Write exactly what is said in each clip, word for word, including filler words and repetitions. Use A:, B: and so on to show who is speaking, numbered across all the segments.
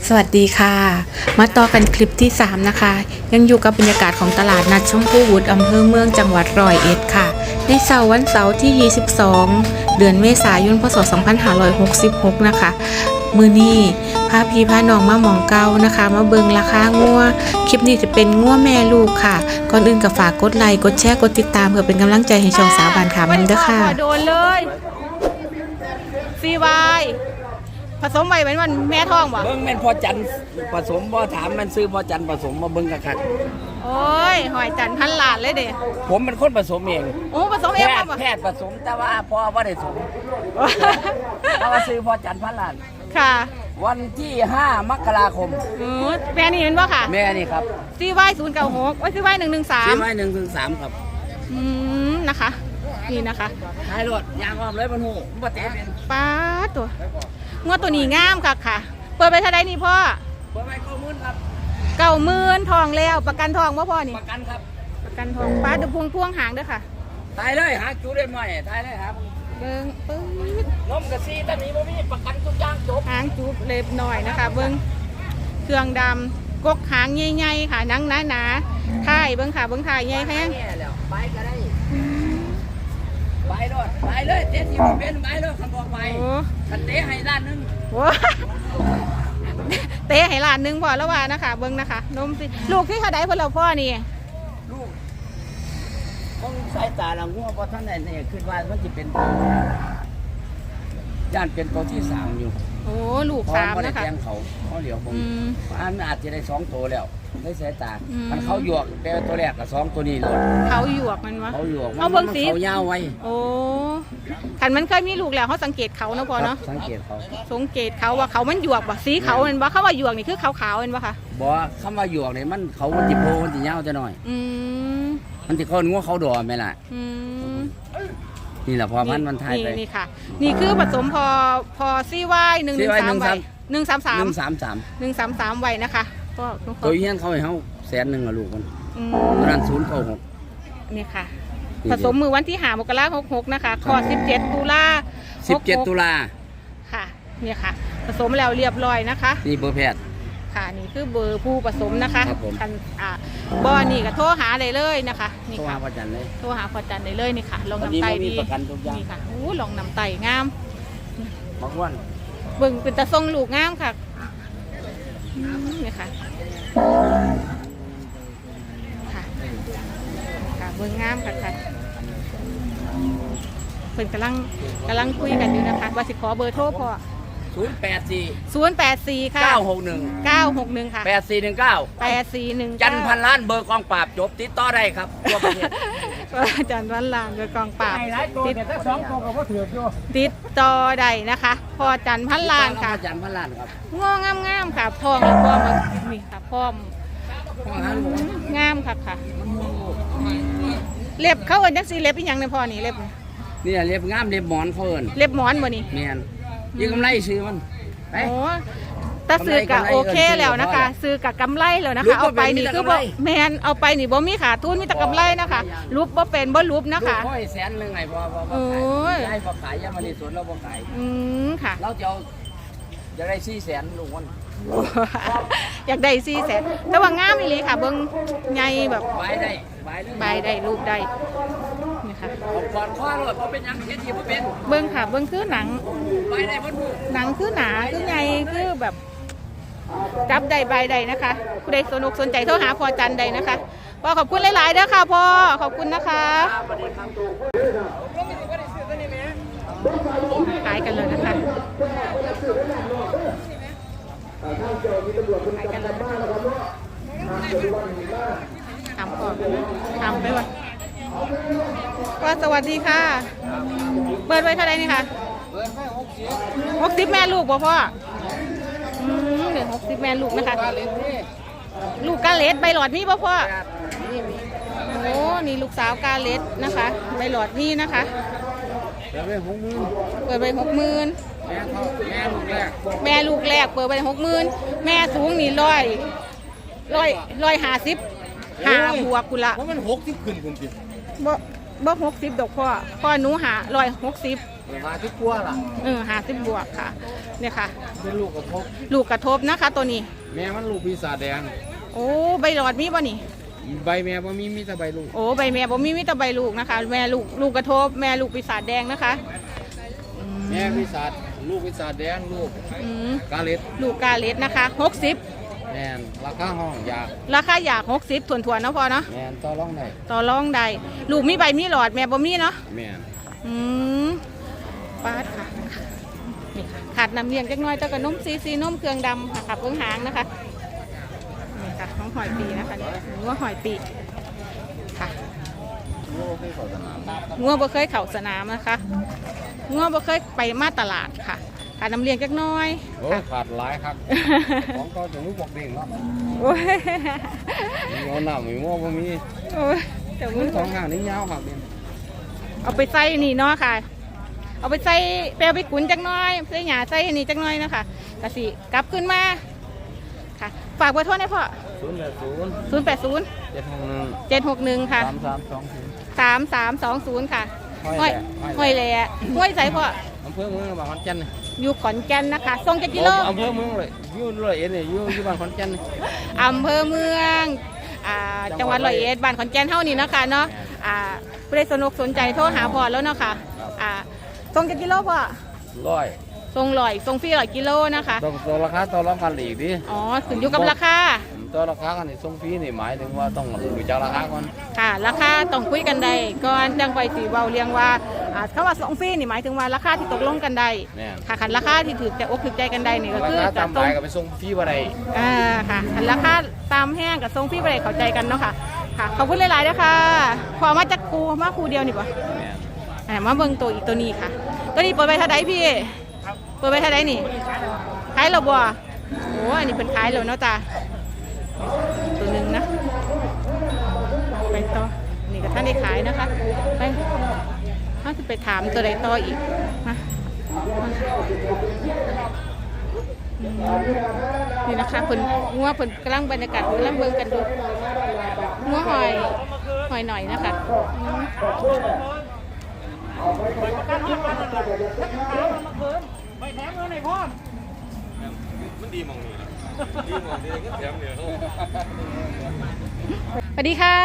A: สวัสดีค่ะมาต่อกันคลิปที่สามนะคะยังอยู่กับบรรยากาศของตลาดนัดชมพูวุฒิอำเภอเมืองจังหวัดร้อยเอ็ดค่ะในเสาร์วันเสาร์ที่ยี่สิบสองเดือนเมษายนพศสองพันห้าร้อยหกสิบหกนะคะมือนี้พาพี่พาน้องมาหมองเก้านะคะมาเบิงราคางัวคลิปนี้จะเป็นงัวแม่ลูกค่ะก่อนอื่นก็ฝากกดไลค์กดแชร์กดติดตามเพื่อเป็นกำลังใจให้ช่องสาวบานขามันด้วยค่ะโดนเลยซีวายผสมไว้เป็นวันแม่ท้องบ่
B: เบิ้งแม่นพอจันผสมบ่ถามมันซื้อพอจันผสมมาเบิ้งคัก
A: ๆโอ้ยหอยจันพันหลาดเลยเด้
B: ผมเป็นคนผสมเอง
A: โอ้ผสมเอง
B: บ่แพทย์ผสมแต่ว่าพ่อบ่ได้ผสมแต่ว่าซื้อพอจันพันหลาด
A: ค่ะ
B: วันที่ห้ามกราคม
A: อือแม่นี่เห็นบ่ค่ะ
B: แม่นี่ครับ
A: ซีวายศูนย์เก้าหกโอ้ยซีวายหนึ่งหนึ่งสาม
B: ซีวายหนึ่งหนึ่งสามครับ
A: อืมนะคะนี่นะคะ
B: ท้ายรถยางออมเลยบนหูบ่เตะเป็น
A: ป้าตัวงวดตัวนี้งามค่ะค่ะเปิดไปเท่าไรนี่พ่อ
B: เปิดไปเก้าหมื่นครับ
A: เก้าหมื่นทองแล้วประกันทองว่าพ่อนี่
B: ประกันครับ
A: ประกันทองป้าดูพวงพวงหางด้วยค่ะ
B: ตายเลยหาจูได้ไหมตายเลยครับ
A: เบิ้งปึ๊ด
B: นมกระซีตอนนี้บ่มีประกันทุกอย่างจบ
A: หางจูบเล็บหน่อยนะคะเบิ้งเครื่องดำกกหางใหญ่ๆค่ะนังหนาๆท้ายเบิ้งค่ะเบิ้งท้ายใหญ่แห้ง
B: ไปก็ได้ไปเลยไปเลยเตะที่บ่เป็นไปเลยคันบอกไปคันเตะให้ล้านนึง
A: โอ้เตะให้ล้านนึงพอแล้วว่านะคะเบิ้งนะคะนมสิลูกที่เขาได้เพื่อนเราพ่อนี่
B: ลูกต้องสายตาเรางัวเพราะท่านเนี่ยคือว่ามันจะเป็นย่านเป็นตัวที่สามอยู่
A: โอ้ลูกสามนะคะ
B: เขาเขาเหลียวผมอันอาจจะได้สองตัวแล้วได้สายตามันเขาหยวกเป็นตัวแรกกับสองตัวนี้เลย
A: เขาหยวกมันวะ
B: เขาหยวก
A: เขาเบิ้งสี
B: เขายาวไว้
A: โอ้ขันมันเคยมีลูกแล้วเขาสังเกตเขาเนาะพอเนาะ
B: สังเกตเขา
A: สังเกตเขาว่าเขามันหยวกบ่สีเขาเป็นบ่เขาว่าหยวกนี่คือขาวๆเป็นบ่คะ
B: บ่คำว่าหยวกเนี่ยมันเขามันติโพมันติยาวจะหน่อย
A: อืม
B: มันติเขางัวเขาดอไหมล่ะ
A: อืม
B: นี่แหละพอพันมันทายไป
A: นี่ค่ะนี่คือผสมพอพอซีวายหนึ่งหนึ่งสามใบหนึ่งสามสาม
B: หนึ่งสามสาม
A: หนึ่งสามสามใบนะคะก็
B: ตัวเฮี้ยนเขาให้เขาแสนหนึ่งอะลูกมันตอนนั้นศูนย์เก้าหก
A: นี่ค่ะผสมมือวันที่หามกราหกหกนะคะคอสิบเจ็ดตุลา
B: สิบเจ็ดตุลา
A: ค่ะนี่ค่ะผสมแล้วเรียบร้อยนะคะ
B: นี่เบอร์แพทย์
A: ค่ะนี่คือเบอร์ผู้ผสมนะคะ
B: ครับผม
A: อ่าบอนี่ก็โทรหาได้เลยนะคะนี่ค่ะ
B: โทรหาพอจันเลย
A: โทรหาพอจันได้เลยนี่ค่ะลองนำไตดีนี่ค่ะโอ้ลองนำไตงาม
B: บักวัน
A: เบิ่งเป็นตะทรงลูกงามค่ะนี่ค่ะค่ะค่ะเบิ่งงามค่ะค่ะเพิ่นกำลังกำลังคุยกันอยู่นะคะว่าสิขอเบอร์โทรพอ
B: ศูนย์แปดสี่
A: ศูนย์แปดสี่ค่ะ
B: เก้าหกหนึ่ง
A: เก้าหกหนึ่งค่ะ
B: แปดสี่หนึ่งเก้า
A: แปดสี่หนึ่ง
B: จันพันล้านเบอร์กองปราบจบติดต่อได้ครับทั่วประเทศ
A: จันพันล้านเบอร์กองปราบ
B: ติดต่อสองตัวก็ถืออยู่
A: ติดต่อได้นะคะพอจันพันล้านค่ะ
B: จันพันล้านครับ
A: งองามงามค่ะทองแล้วก็มันนี่ค่ะพร้อมงามค่ะค่ะเล็บเขาเอิ้นจังซี่เล็บอีหยังเนี่ยพ่อนี่เล็บ
B: นี่เล็บงามเล็บหมอนเขาเอิ้น
A: เล็บหมอนบ่นี่
B: แม่นยิ่งกำไรซื้อมัน
A: โอ้ตาซื้อกับโอเคแล้วนะคะซื้อกับกำไรแล้วนะคะเอาไปนี่คือบ่แมนเอาไปนี่บ่มีขาดทุนมีแต่กำไรนะคะรูปบ่เป็นบ่รูปนะคะ
B: ลูกพ่อแสนหนึ่งไงพอพอขายได้พอขายยามาในสวนเราพอขาย
A: อืมค่ะ
B: เราจะเอาจะได้สี่แสนลูกวัน
A: อยากได้สี่แสนแต่ว่างามอีหลีค่ะเบิ้งใหญ่แบบ
B: ใบได้
A: ใบได้รูปได้นี่ค่ะ
B: ก่อนข้อรถเขาเป็นยังเฮ็ดที่เป็น
A: เบิ้งค่ะเบิ้งคือหนัง
B: ใบได้บนหู
A: หนังคือหนาคือใหญ่คือแบบจับได้ใบได้นะคะผู้ใดสนุกสนใจโทรหาพอจันใดนะคะพ่อขอบคุณหลายๆเด้อค่ะพ่อขอบคุณนะคะขายกันเลยนะคะขายกันเลยทำก่อนทำไปวะก็สวัสดีค่ะเปิดไว้เท่าไหร่นี่ค่ะหกสิบแม่ลูกบ่พ่ออืมเหลือหกสิบแม่ลูกนะคะลูกกาเลสใบหลอดนี่บ่พ่อโอ้นี่ลูกสาวกาเลสนะคะใบหลอดนี่นะคะ
B: เปิดไปหกหมื่น
A: เปิดไปหกหมื่นแม่ลูกแรกเปิดไปหกหมื่นแม่สูงนี่ร้อยร้อยร้อยห้าสิบห้าบวกกุละ
B: เพราะมันหกสิบขึ้นคุณจิ
A: บ่บ่หกสิบดอกพ่อพ่อหนูหาร้อยหกสิบ
B: มาที่กลัวล่ะ
A: เออหาสิบบวกค่ะเนี่ยค่ะ
B: เป็นลูกกระทบ
A: ลูกกระทบนะคะตัวนี้
B: แม่มันลูกปีศาจแดง
A: โอ้ใบหลอดมีบ่นี่
B: ใบแม่บ่มีมีแต่ใบลูก
A: โอ้ใบแม่บ่มีมีแต่ใบลูกนะคะ แม่ลูกลูกกระทบแม่ลูกปีศาจแดงนะคะอืม
B: แม่ปีศาจลูกปีศาจแดงลูก
A: อืม
B: กาเล็ด
A: ลูกกาเลสนะคะหกสิบ
B: แม่นราคาห้องอยาก
A: ราคาอยากหกสิบถ่วนๆเนาะพ่อเนาะ
B: แม่นต่อรองได้
A: ต่อรองได้ลูกมีใบมีหลอดแม่บ่มีเนาะ
B: แม่น
A: อืมปาดค่ะนี่ค่ะขาดน้ำเลี้ยงจักหน้อยเจ้ากับนมซีซีนมเครื่องดำค่ะขับเบื้องหางนะคะนี่ค่ะน้องหอยปีนะคะนี่หรือว่าหอยปีค่ะ
B: โอ้ให้เขาสนาม
A: งัวบ่เคยเข่าสนามนะคะงัวบ่เคยไปมาตลาดค่ะขาดน้ำเลี้ยงจักหน้อย
B: โอ้ขาดหลายครับ ของก็ถึงลูกบอกเด้งเนาะ
A: โอ้ย
B: มีเอาหน้ามีมั่วบ่มี
A: โอ้ยเดี๋ยว
B: มั
A: มึ
B: น
A: ง
B: สองข้างนี่ยาวครับเนี่ย
A: เอาไปใส่นี่เนาะค่ะ เอาไปใส่แปลไปขุนจักหน้อยใส่หยาใส่นี่จักหน้อยนะคะกะสิกลับขึ้นมาค่ะฝากเบอร์โทรให้พ่อ
B: ศูนย์แปดศูนย์
A: ศูนย์แปดศูนย์
B: เจ็ดหกหนึ่ง
A: เจ็ดหกหนึ่งค่ะ
B: สามสามสองศูนย์
A: สามสามสองศูนย์ค่ะ
B: ห้
A: ห้
B: อ
A: อย ย
B: แหล่
A: ห้อยแหล่ห้วยใส่พ่อ
B: อำเภอเมืองบ้านขอนแก่น
A: อยู่ขอนแก่นนะคะส่งจักกิโล
B: อำเภอเมืองเลยอยู่ร้อยเอ็ดเนี่ยอยู่อยู่บ้านขอนแก่น
A: อำเภอเมืองอ่าจังหวัดร้อยเอ็ดบ้านขอนแก่นเท่านี้เนาะคะเนาะอ่าผู้ใดสนุกสนใจโทรหาพ่อแล้วเนาะค่ะอ่าส่งจักกิโลพ่อ
B: ร้อย
A: ส่งลอยส่งฟรีร้อยกิโลนะคะ
B: ต้องตัวราคาต่อรองกันอีกดิ
A: อ๋อขึ้นอยู่กับราคา
B: ต่อราคากันนี่ส่งฟรีนี่หมายถึงว่าต้องดูจากราคาก่อน
A: ค่ะราคาต้องคุยกันได้ก่อนจังไปสีเบาเรียงว่าอ่าคำว่าส่งฟรีนี่หมายถึงว่าราคาที่ตกลงกันได้
B: แม่น
A: ค่ะคันราคาที่ถือแต่อกถือใจกันได้นี่ก็
B: รา
A: คือ
B: คา
A: จะ
B: ตาม
A: ส่
B: หาง ยก็ไปส่งฟรีบ่ได้
A: อ่าค่ะคันราคาตามแห้งกับส่งฟรีไปเลยเข้าใจกันเนาะค่ะค่ะขอบคุณหลายๆนะคะพอมาจากครูมาครูเดียวนี่ปะ
B: แม่น
A: อ่ามาเบิ่งตัวอีกตัวนี้ค่ะ ตัวนี้เปิดไปเท่าไดพี่เปิดไปเท่าไดนี่ขายเราบ่โอ้อันนี้เป็นขายเราเนาะจ้าตัวหนึ่งนะไปต่อนี่ก็ท่านได้ขายนะคะไปถ้าจะไปถามตัวใดต่ออีกมาอืมนี่นะคะเพิ่นงัวเพิ่นกำลังบรรยากาศกำลังเบิ่งกันดูงัวหอยหอยหน่อยนะคะอืม
B: มันดีมองนี่ดีมองนี่ก็แถมเดียว
A: สวัสดีค่ะ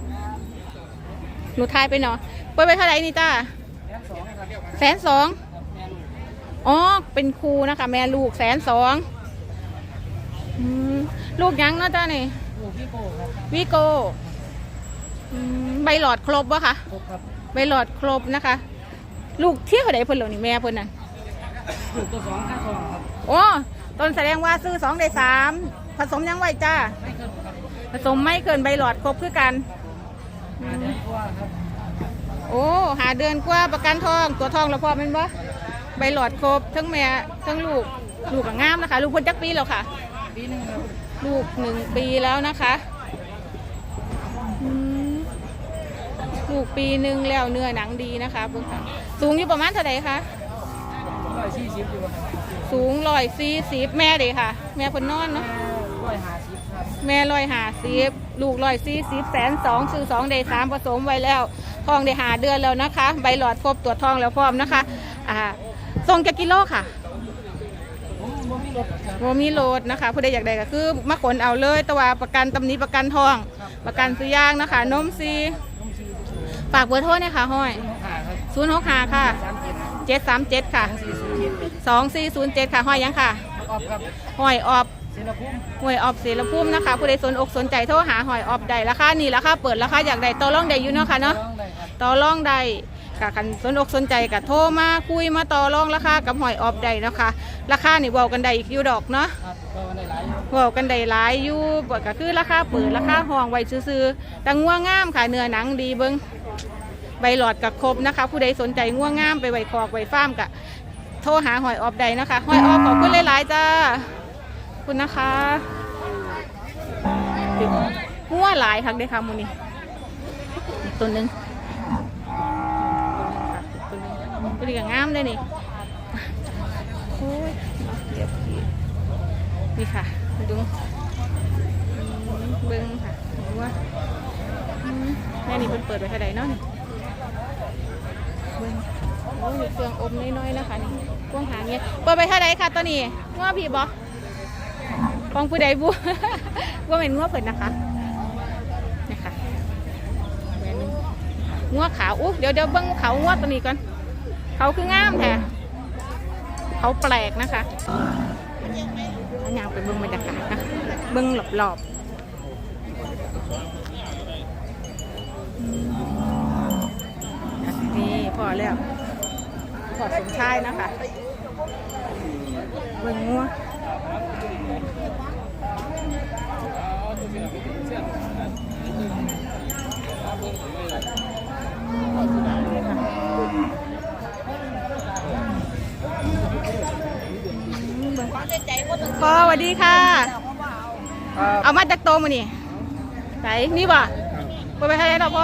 A: หนูทายไปเนาะเปิดไปเท่าไหร่นี่จ้าแสนสองอ๋อ เป็นครูนะคะ แม่ลูกแสนสองอืมลูกยังเนาะจ้านี่
B: ลูกพี่โก้ครับ
A: วิโกอืมใบหลอดครบวะคะ
B: ครบครับ
A: ใบหลอดครบนะคะ ลูกเที่ยวไหนเพิ่นเหล่านี่แม่เพิ่นน่ะ
B: ลูกตัวสองค่าทองครับ
A: โอ้ต้นแสดงว่าซื้อสองได้สามผสมยังไว้จ้า
B: ไม่เกินครับ
A: ผสมไม่เกินใบหลอดครบคือกัน
B: มาเดือนกว่าครับ
A: โอ้หาเดือนกว่าประกันทองตัวทองเราพอเป็นบ่ใบหลอดครบทั้งแม่ทั้งลูกลูกก็งามนะคะ ลูกเพิ่นจักปีแล้วค่ะ
B: ปีหนึงครับ
A: ลูกหนึ่งปีแล้วนะคะอืมลูกปีหนึ่งแล้วเนื้อหนังดีนะคะเพิ่งค่ะสูงอยู่ประมาณเท่าไหร่คะ
B: ร้อยสี่สิบอยู่ครับ
A: สูงร้อยสี่สิบแม่เลยค่ะ แม่เพิ่นนอนเนาะ
B: ร้อยห้าสิบครับ
A: แม่ร้อยห้าสิบลูกร้อยสี่สิบแสนสองซื้อสองได้สามผสมไว้แล้วทองได้หาเดือนแล้วนะคะ ใบหลอดครบตรวจทองแล้วพร้อมนะคะอ่าส่งจากกิโลค่ะ
B: ผมผมมีรถครับ
A: โมมีโหลดนะคะผู้ใดอยากได้ก็คือมาขนเอาเลยแต่ว่าประกันตำหนี้ประกันทอง ประกันซื้อยางนะคะนมซีฝากเบอร์โทรเนี่ยค่ะห้อย
B: ขาครับ
A: ศูนย์หกห้าค่ะ
B: สามเจ็ด
A: เจ็ดสามเจ็ดค่ะ
B: สองสี่ศูนย์เจ็ด
A: สองสี่ศูนย์เจ็ดค่ะห้อยยังค่ะ
B: ออฟครับ
A: ห้อยออบ
B: เซนพุ่ม
A: ห้วยออบเสรภูมินะคะผู้ใดสนอกสนใจโทรหาหอยออบได้ราคานี่ราคาเปิดราคาอยากได้ต่อรองได้อยู่เนาะค่ะเนาะ
B: ต้องได้ครับ
A: ต่อรองได้ค่ะคันสนอกสนใจก็โทรมาคุยมาต่อรองราคากับหอยออบได้นะคะ ราคานี่เว้ากันได้อีกอยู่ดอกเนาะ
B: ครับก็ได้หลายอยู่
A: เว้ากันได้หลายอยู่บ่ก็คือราคาเปิดราคาห้องไว้ซื่อๆแต่งัวงามค่ะเนื้อหนังดีเบิ่งใบหลอดกับครบนะคะ ผู้ใดสนใจงัวงามไปไว้คอกไว้ฟาร์มก็โทรหาหอยออบได้นะคะหอยออบขอบคุณหลายๆจ้าขอบคุณนะคะงัวหลายคักเด้อค่ะมื้อนี้อีกตัวหนึงตัวนี้ก็งามเลยนี่โอ้ยเดี๋ยวพี่นี่ค่ะดูอืมเบิ้งค่ะดูว่าอืมแม่นี่เพิ่นเปิดไว้เท่าใดเนาะนี่เบิ่งโอ้มีเครื่องอมน้อยๆนะคะนี่พวงหางเนี่ยเปิดไปเท่าไหร่ค่ะตัวนี้ง้อพี่บอของผู้ใดบุ ว่าเป็นง้อเพิ่นนะคะนี่ค่ะแม่นึงง้อขาวอู้เดี๋ยวเดี๋ยวเบิ้งเขาง้อตัวนี้ก่อนเขาคืองามแท้เขาแปลกนะคะอันยางไปเบิ้งบรรยากาศนะเบิ้งหลบๆนี่พอแล้วพอสมชายนะคะเบิ้งงัวพ่อสวัสดีค่ะเอามาจากโตมานี่ไหนนี่บ่เปิดไปเท่าไหร่เราพ่อ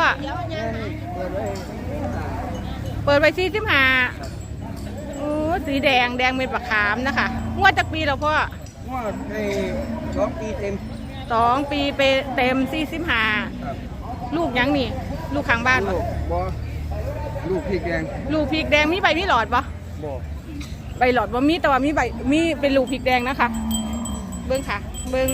A: เปิดไปสี่สิบห้าโอ้สีแดงแดงเป็นปลาขามนะคะงวดจากปีเราพ่อ
C: งวดในสองปีเต็ม
A: สองปีไปเต็มสี่สิบห้าลูกยังนี่ลูกข้างบ้าน
C: ลู
A: ปะ
C: กบอลูกพริกแดง
A: ลูกพริกแดงมีใบมีหลอดปะ
C: บอ
A: ใบหลอดว่ามีแต่ว่ามีใบมีเป็นลูกพริกแดงนะคะเบิ้งค่ะเบิ้ง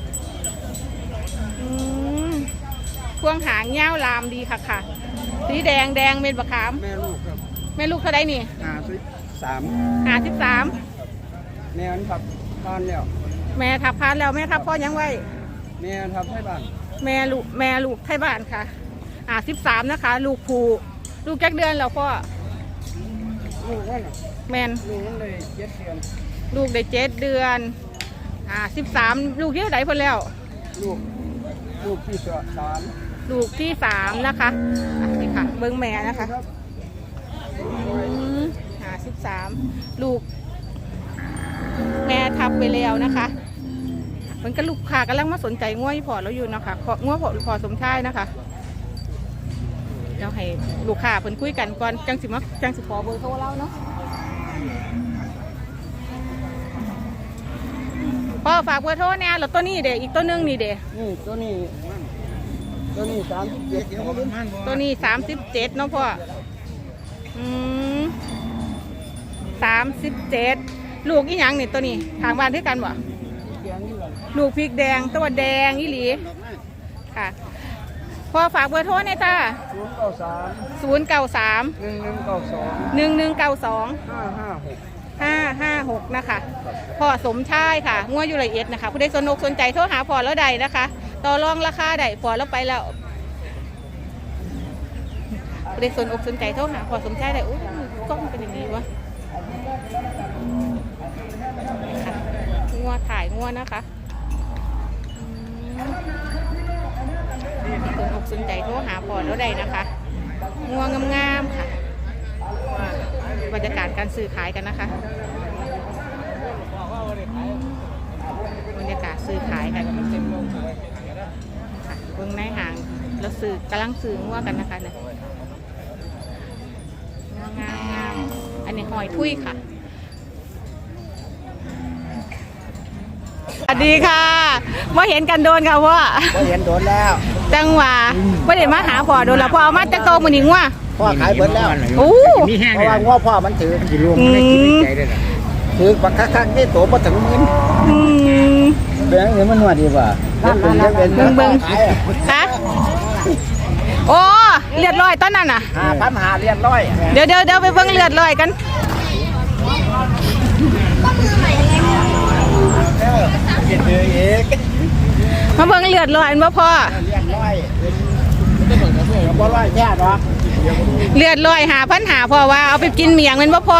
A: อืมพวงหางเงี้ยวลามดีค่ะค่ะสีแดงแดงเป็นปลาขาม
C: แม่ลูกครับ
A: แม่ลูกเท่าไรนี่
C: ห้าสิบสาม
A: หาสิบสาม
C: แม่อันทับบ้านแล้ว
A: แม่ทับพานแล้วแม่ทับพ่อยังไว้
C: แม่อันทับให้บ้าน
A: แม่ลูกแม่ลูกไทยบ้านค่ะอ่าสิบสามนะคะ ลูกผูลูกแก๊กเดือนแล้วพ่อ
C: ลูกว่าน่ะ
A: แมน
C: ลูกมันเลยเจ็ดเดือน
A: ลูกได้เจ็ดเดือนอ่าสิบสามลูกเยอะไหนพ่นแล้ว
C: ลูกลูกที่สาม
A: ลูกที่สามนะคะอ่ะนี่ค่ะเบิ้งแม่นะคะ
C: ครับ
A: หาสิบสามลูกแม่ทับไปแล้วนะคะมันก็ลูกค้ากำลังมาสนใจง่วยพอแล้วอยู่นะคะง่วยพอพอสมชายนะคะเราให้ลูกค้าเพิ่นคุยกันก่อนจังสิมาจังสิขอเบอร์โทรเราเนาะพ่อฝากเบอร์โทรเนี่ยแล้วตัวนี้เด็กอีกตัวนึงนี่เด็ก
C: นี่ตัวนี้ตัวนี้สามสิบเจ็ด
A: ตัวนี้สามสิบเจ็ดเนาะพ่ออืมสามสิบเจ็ดลูกอีหยังนี่ตัวนี้ทางบ้านที่กันบ่
C: แดงนี่แหละ
A: ลูกพริกแดงตัวแดงอีหลีค่ะพ่อฝากเบอร์โทรหน่อยจ้า
C: ศูนย์เก้าสาม
A: ศูนย์เก้าสาม
C: หนึ่งหนึ่งเก้าสอง
A: หนึ่งหนึ่งเก้าสอง
C: ห้าห้าหก
A: ห้าห้าหกนะคะพ่อสมชายค่ะงัวอยู่ละเอียดนะคะผู้ใดสนอกสนใจโทรหาพ่อแล้วใดนะคะต่อรองราคาใดพ่อแล้วไปแล้วผู้ใดสนอกสนใจโทรหาพ่อสมชายได้อุ้ยกล้องเป็นอย่างนี้วะค่ะงัวถ่ายงัวนะคะสนอกสนใจโทรหาพ่อแล้วใดนะคะงัวงามๆค่ะบรรยากาศการซื้อขายกันนะคะบรรยากาศซื้อขายกันค่ะเบื้องในห่างแล้วซื้อกำลังซื้องัวกันนะคะเนี่ยงามงามอันนี้หอยทุยค่ะสวัสดีค่ะมาเห็นกันโดนค่ะว่า
C: ก็เห็นโดนแล้ว
A: จังหวะไม่ได้มาหาพ่อโดนแล้วพ่อเอามาจากโตมือหนิงว่ะ
C: พ่อขายเบิดแล้ว
A: โอ้
C: เพราะว่าง้อพ่อมันถือกี่รวมไม่กินใจเลยนะถือปักคักๆนี่โตมาถึงมิน
A: อืม
C: เบี้ยเงินมันนวดดีกว่าเป็นเป็น
A: เบิ่งเบิ่ง คะโอ้เลือดลอยตอนนั้นน่ะ
C: ห้าพันหาเรียนร้อย
A: เดี๋ยวเดี๋ยวเดี๋ยวไปเบิ่งเลือดลอยกันมาเบิ่งเลือดลอยอันบ่พอ
C: เรียนร้อยกับบ่ร้อยแค่หรอ
A: เลือดลอยหาพันหาพอว่าเอาไปกินเมียงมันบ่พอ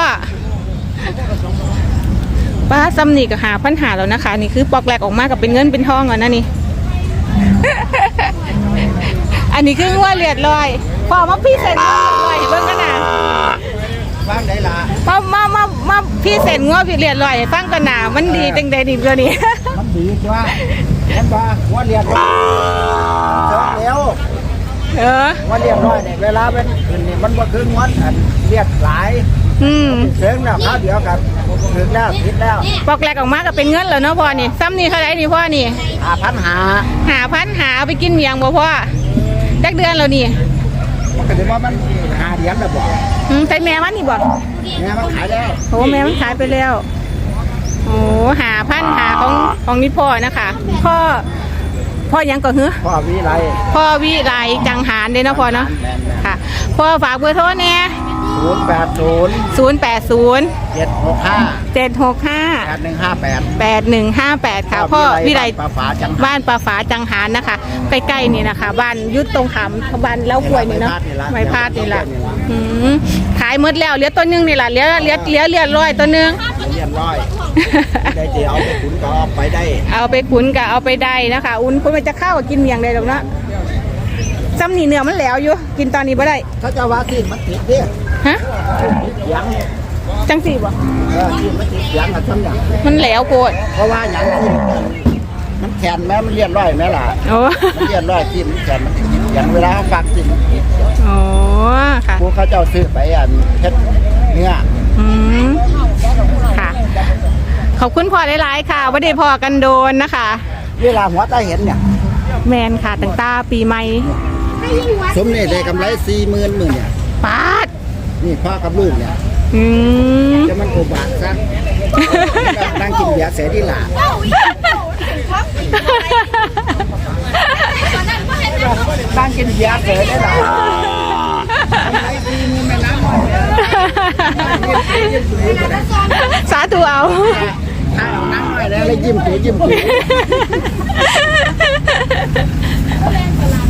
A: ป้าซ้ำนี่ก็หาพันหาแล้วนะคะนี่คือปอกแหลกออกมากับเป็นเงินเป็นทองก่อนนะนี่ อันนี้คือว่าเลือดลอยพอมาพี่เซ็นเลือดลอยให้เบิ่งกันนะ
C: บ้านไหนล่ะ
A: มามามามาพี่เซ็นงัวพี่เลือดลอยให้ฟังกันนะมันดีจังใดดีตัวนี้
C: มันดีกว่าเห็นป่ะว่าเรียนร้อยแล้ว
A: เออ
C: ว่าเรียนร้อยเนี่ยเวลาเป็นคืนนี่มันบ่คืองวดอันเรียกหลาย
A: อืม
C: เสียงแล้วข้าวเดียวกันถึงแล้วคิดแล้ว
A: ปอกแหลกออกมาก็เป็นเงินแล้วเนาะพ่อนี่ซ้ำนี่เท่าไหร่นี่พ่อนี่
C: ห้าพันหา
A: หาพันหาเอาไปกินเมียงบ่พ่อจักเดือนแล้วนี่
C: มันก็ถือว่ามันหาเหรียญแล้วบอก
A: อืมใส่แม่มันนี่บ่
C: แม่มันขายแล้ว
A: โอ้แม่มันขายไปแล้ว โอ้หาพันหาของของนี่พ่อนะคะพ่อพ่อยังก็เหือ
C: พ่อวิไล
A: พ่อวิไลจังหารเด้เนาะพ่อเนาะค่ะพ่อฝากเบอร์โทรเนี่ย
C: ศูนย์แปดศูนย์
A: ศูนย์แปดศูนย์
C: เจ็ดหกห้า
A: เจ็ดหกห้า
C: แปดหนึ่งห้าแปด
A: แปดหนึ่งห้าแปดค่ะพ่อวิไล
C: ปลาฝาจัง
A: บ้านปลาฝาจังหารนะคะใกล้ๆนี่นะคะ บ้านยุดตรงขำบ้านเล้ากล้วยนี่เนาะไม่พลาดนี่แหละอืมขายหมดแล้วเหลือตัวหนึงนี่แหละเหลือเหลือเหลือเหลือร้อยตัวหนึง
C: เรียนร้อยได้เดี๋ยวเอาไปขุนก็เอาไปได้
A: เอาไปขุนกับเอาไปได้นะคะ อุ่นคุณมันจะเข้ากับกินเมียงได้หรอกเนาะซ้ำนี่เนื้อมันแหล้วอยู่กินตอนนี้บ่ได้
C: ถ้าจะว่าที่มันติดเด้
A: ฮะ
C: ยัง
A: จังสี่บ่
C: เออที่มันติดยังอะทำอย่าง
A: มันแหล้วโคตร
C: เพราะว่าอย่างที่มันแขนแม้มันเรียนร้อยแม่ล่ะ
A: โอ้
C: มันเรียนร้อยที่มันแขนมันอย่างเวลาเขาฟักที่มันติด
A: โอ้ค่ะ
C: ผู้เขาเจ้าซื้อไปอันเพชรเนื้อ
A: อืมค่ะ ขอบคุณพ่อหลายๆค่ะว่าได้พอกันโดนนะคะ
C: เวลาหัวตาเห็นเนี่ย
A: แมนค่ะตั้งแตาปีใหม่
C: สมนี่ได้กำไรสี่หมื่นหมื่นเนี่ย
A: ปาด
C: นี่พ่อกับลูกเนี่ย
A: อืม
C: จะมันโอบาทซะนั่งกินเบียร์เสดีหล่ะนั่งกินเบียร์เสได้หล่ะกำไรสี่หมื่นแม่น้ำหน่อยเนี่ย
A: สาธุเอา
C: ถ้าเอานั่งหน่อยแล้วเลยยิ้มตัวยิ้มตัว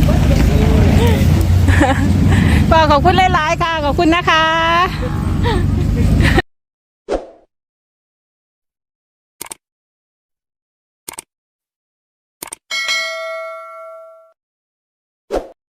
A: ก็ขอบคุณหลายๆค่ะ ขอบคุณนะคะ